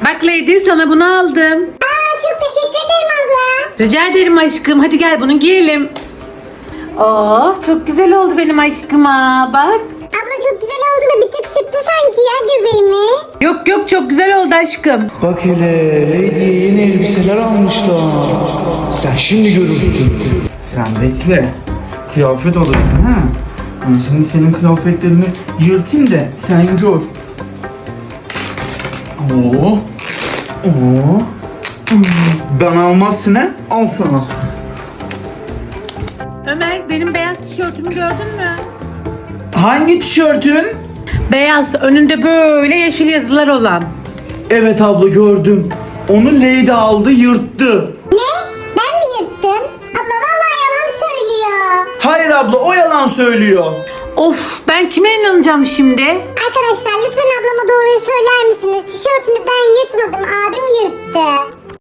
Bak Lady, sana bunu aldım. Çok teşekkür ederim abla. Rica ederim aşkım. Hadi gel bunu giyelim. Oo, çok güzel oldu benim aşkıma. Bak. Abla çok güzel oldu da bir tık sıktı sanki ya göbeğimi. Yok yok, çok güzel oldu aşkım. Bak hele Lady'ye yeni elbiseler almışlar. Sen şimdi görürsün. Sen bekle. Kıyafet alırsın ha. Ben şimdi senin kıyafetlerini yırtayım da sen gör. Oo. Oo. Ben almazsın ha. Al sana. Ömer, benim beyaz tişörtümü gördün mü? Hangi tişörtün? Beyaz, önünde böyle yeşil yazılar olan. Evet abla gördüm. Onu Lady aldı yırttı. Ne? Ben mi yırttım? Abla vallahi yalan söylüyor. Hayır abla o yalan söylüyor. Of, ben kime inanacağım şimdi? Arkadaşlar lütfen ablama doğruyu söyler misiniz? Tişörtünü ben yırtmadım, abim yırttı.